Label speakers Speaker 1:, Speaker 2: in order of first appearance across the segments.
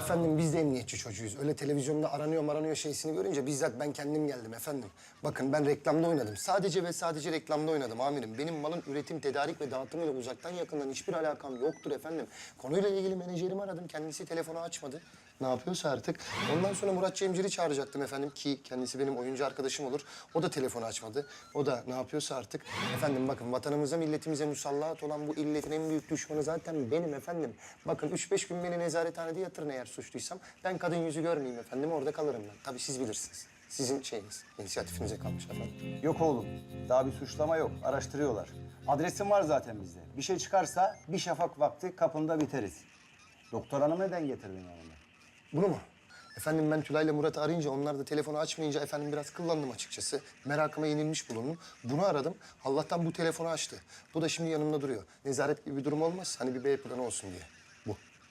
Speaker 1: Efendim biz de emniyetçi çocuğuyuz. Öyle televizyonda aranıyor şeysini görünce bizzat ben kendim geldim efendim. Bakın ben reklamda oynadım. Sadece ve sadece reklamda oynadım amirim. Benim malın üretim, tedarik ve dağıtımıyla uzaktan yakından hiçbir alakam yoktur efendim. Konuyla ilgili menajerimi aradım. Kendisi telefonu açmadı. Ne yapıyorsa artık. Ondan sonra Murat Cemcir'i çağıracaktım efendim ki kendisi benim oyuncu arkadaşım olur. O da telefonu açmadı. O da ne yapıyorsa artık. Efendim bakın vatanımıza, milletimize musallat olan bu illetin en büyük düşmanı zaten benim efendim. Bakın 3-5 gün beni nezarethanede yatırın eğer suçluysam. Ben kadın yüzü görmeyeyim efendim, orada kalırım ben. Tabii siz bilirsiniz. Sizin şeyiniz, inisiyatifinize kalmış efendim.
Speaker 2: Yok oğlum. Daha bir suçlama yok. Araştırıyorlar. Adresim var zaten bizde. Bir şey çıkarsa bir şafak vakti kapında biteriz. Doktor hanım neden getirdin yanına?
Speaker 1: Bunu mu? Efendim ben Tülay'la Murat'ı arayınca onlar da telefonu açmayınca efendim biraz kıllandım açıkçası. Merakıma yenilmiş bulundum. Bunu aradım. Allah'tan bu telefonu açtı. Bu da şimdi yanımda duruyor. Nezaret gibi bir durum olmaz. Hani bir B planı olsun diye. Bu.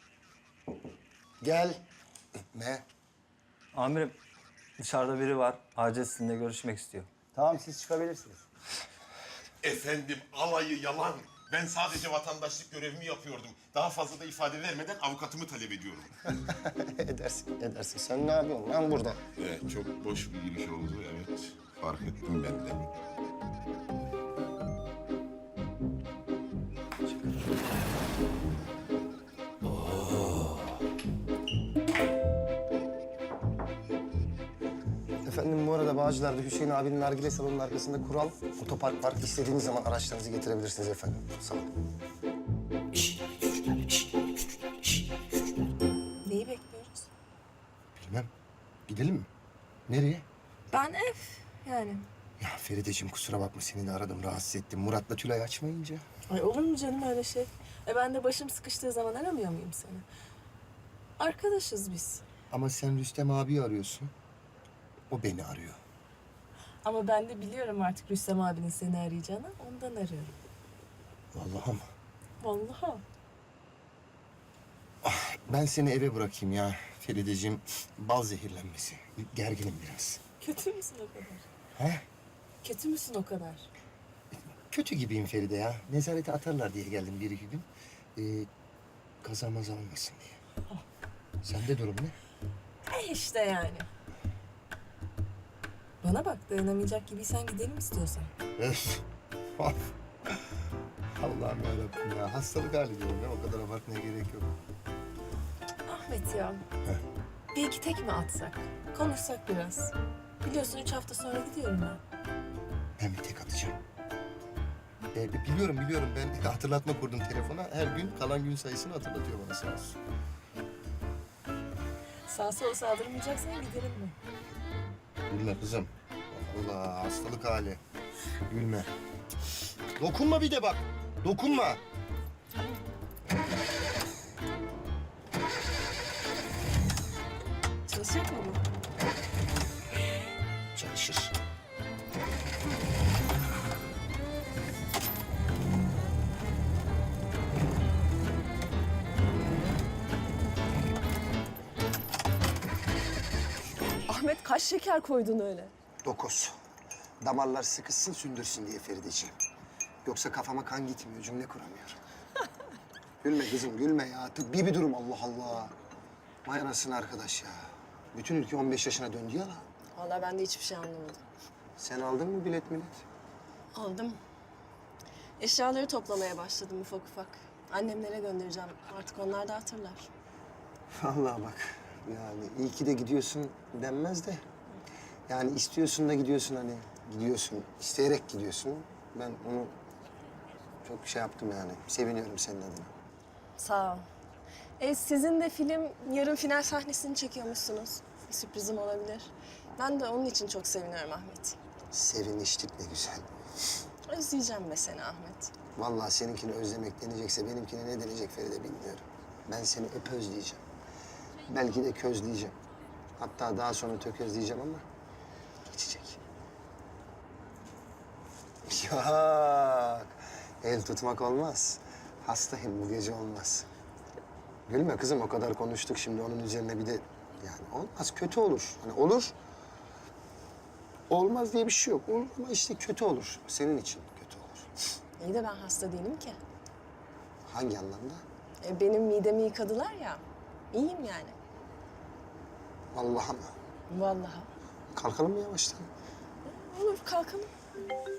Speaker 1: Gel. Ne?
Speaker 3: Amirim, dışarıda biri var. Acil sizinle görüşmek istiyor.
Speaker 2: Tamam siz çıkabilirsiniz.
Speaker 4: Efendim alayı yalan. Ben sadece vatandaşlık görevimi yapıyordum. Daha fazla da ifade vermeden avukatımı talep ediyorum.
Speaker 1: Edersin. Sen ne yapıyorsun lan burada?
Speaker 4: Evet, çok boş bir giriş oldu. Evet, fark ettim ben de.
Speaker 1: Efendim bu arada Bağcılar'da Hüseyin abinin nargile salonunun arkasında kural otopark var. İstediğiniz zaman araçlarınızı getirebilirsiniz efendim. Sağ olun.
Speaker 5: Neyi bekliyoruz?
Speaker 1: Bilmem. Gidelim mi? Nereye?
Speaker 5: Ben ev yani.
Speaker 1: Ya Ferideciğim kusura bakma seni de aradım rahatsız ettim. Murat'la Tülay açmayınca.
Speaker 5: Ay olur mu canım öyle şey? Ben de başım sıkıştığı zaman aramıyor muyum seni? Arkadaşız biz.
Speaker 1: Ama sen Rüstem abi arıyorsun. O beni arıyor.
Speaker 5: Ama ben de biliyorum artık Rüstem abinin seni arayacağını. Ondan arıyorum.
Speaker 1: Vallahi ama.
Speaker 5: Vallahi.
Speaker 1: Ben seni eve bırakayım ya Ferideciğim. Bal zehirlenmesi. Gerginim biraz.
Speaker 5: Kötü müsün o kadar?
Speaker 1: He?
Speaker 5: Kötü müsün o kadar?
Speaker 1: Kötü gibiyim Feride ya. Nezarete atarlar diye geldim bir iki gün. Kaza maza olmasın diye. Sende durum ne?
Speaker 5: İşte yani. Bana bak dayanamayacak gibiysen gidelim istiyorsan.
Speaker 1: Öf. Allah'ım yarabbim ya. Hastalık hali diyorum ya. O kadar abartmaya gerek yok.
Speaker 5: Ahmet ya. Bir iki tek mi atsak? Konuşsak biraz. Biliyorsun 3 hafta sonra gidiyorum ben.
Speaker 1: Ben bir tek atacağım. Biliyorum. Ben hatırlatma kurdum telefona. Her gün kalan gün sayısını hatırlatıyor bana sağ olsun.
Speaker 5: Sağa sola saldırmayacaksan gidelim mi?
Speaker 1: Gülme kızım. Allah hastalık hali. Gülme. Dokunma bir de bak. Dokunma.
Speaker 5: Çalışacak mı bu?
Speaker 1: Çalışır.
Speaker 5: Ahmet kaç şeker koydun öyle?
Speaker 1: 9. Damarlar sıkışsın sündürsün diye Ferideciğim. Yoksa kafama kan gitmiyor, cümle kuramıyorum. Gülme kızım, gülme ya. Tıbbi bir durum Allah Allah. Vay anasını arkadaş ya. Bütün ülke 15 yaşına döndü ya lan.
Speaker 5: Vallahi ben de hiçbir şey anlamadım.
Speaker 1: Sen aldın mı bilet millet?
Speaker 5: Aldım. Eşyaları toplamaya başladım ufak ufak. Annemlere göndereceğim. Artık onlar da hatırlar.
Speaker 1: Vallahi bak. Yani iyi ki de gidiyorsun denmez de. Yani istiyorsun da gidiyorsun hani. Gidiyorsun, isteyerek gidiyorsun. Ben onu çok şey yaptım yani. Seviniyorum senin adına.
Speaker 5: Sağ ol. Sizin de film yarın final sahnesini çekiyormuşsunuz. Bir sürprizim olabilir. Ben de onun için çok seviniyorum Ahmet.
Speaker 1: Seviniştik ne güzel.
Speaker 5: Özleyeceğim be seni Ahmet.
Speaker 1: Vallahi seninkini özlemek denecekse benimkine ne denecek Feride bilmiyorum. Ben seni hep özleyeceğim. Belki de közleyeceğim. Hatta daha sonra tökezleyeceğim ama geçecek. Yok. El tutmak olmaz. Hastayım bu gece olmaz. Gülme kızım o kadar konuştuk şimdi onun üzerine bir de yani olmaz kötü olur. Hani olur. Olmaz diye bir şey yok. Olur ama işte kötü olur. Senin için kötü olur.
Speaker 5: İyi de ben hasta değilim ki.
Speaker 1: Hangi anlamda?
Speaker 5: Benim midemi yıkadılar ya. İyiyim yani.
Speaker 1: Vallahi mı?
Speaker 5: Vallahi.
Speaker 1: Kalkalım mı yavaştan?
Speaker 5: Olur kalkalım.